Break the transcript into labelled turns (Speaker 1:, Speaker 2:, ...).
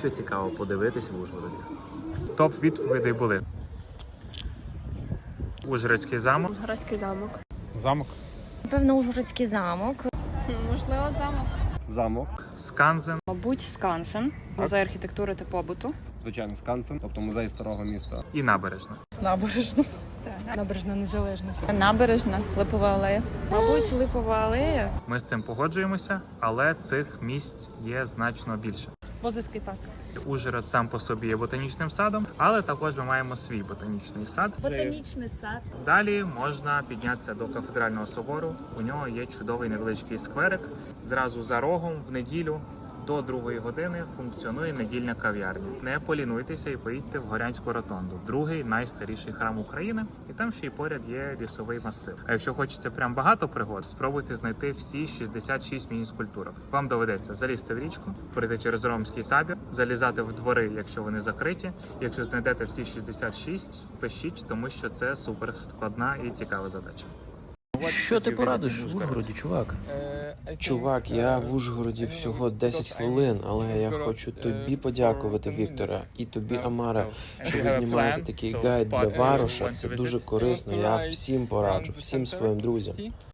Speaker 1: Що цікаво подивитись в Ужгороді?
Speaker 2: Топ відповідей були: Ужгородський замок,
Speaker 3: Ужгородський замок.
Speaker 2: замок,
Speaker 4: Напевно, Ужгородський замок.
Speaker 3: Можливо, замок.
Speaker 5: Замок,
Speaker 2: Сканзен,
Speaker 6: Мабуть, Скансен, музей архітектури та побуту.
Speaker 5: звичайно, Скансен, тобто музей старого міста.
Speaker 2: і набережна.
Speaker 7: Набережна.
Speaker 6: Набережна Незалежності.
Speaker 7: Набережна, Липова алея.
Speaker 3: Мабуть, Липова алея.
Speaker 2: Ми з цим погоджуємося, але цих місць є значно більше.
Speaker 6: Бозовський парк.
Speaker 2: Ужгород сам по собі є ботанічним садом, але також ми маємо свій ботанічний сад.
Speaker 4: Ботанічний сад.
Speaker 2: Далі можна піднятися до кафедрального собору. У нього є чудовий невеличкий скверик. Зразу за рогом в неділю до 2 години функціонує недільна кав'ярня. Не полінуйтеся і поїдьте в Горянську ротонду, другий найстаріший храм України. І там ще й поряд є лісовий масив. А якщо хочеться прям багато пригод, спробуйте знайти всі 66 міні-скульптурок. Вам доведеться залізти в річку, пройти через ромський табір, залізати в двори, якщо вони закриті. Якщо знайдете всі 66, пишіть, тому що це супер складна і цікава задача.
Speaker 8: Що ти порадиш в Ужгороді, чувак?
Speaker 9: Чувак, я в Ужгороді всього 10 хвилин, але я хочу тобі подякувати, Вікторе, і тобі, Амаре, що ви знімаєте такий гайд для Вароша. Це дуже корисно, я всім пораджу, всім своїм друзям.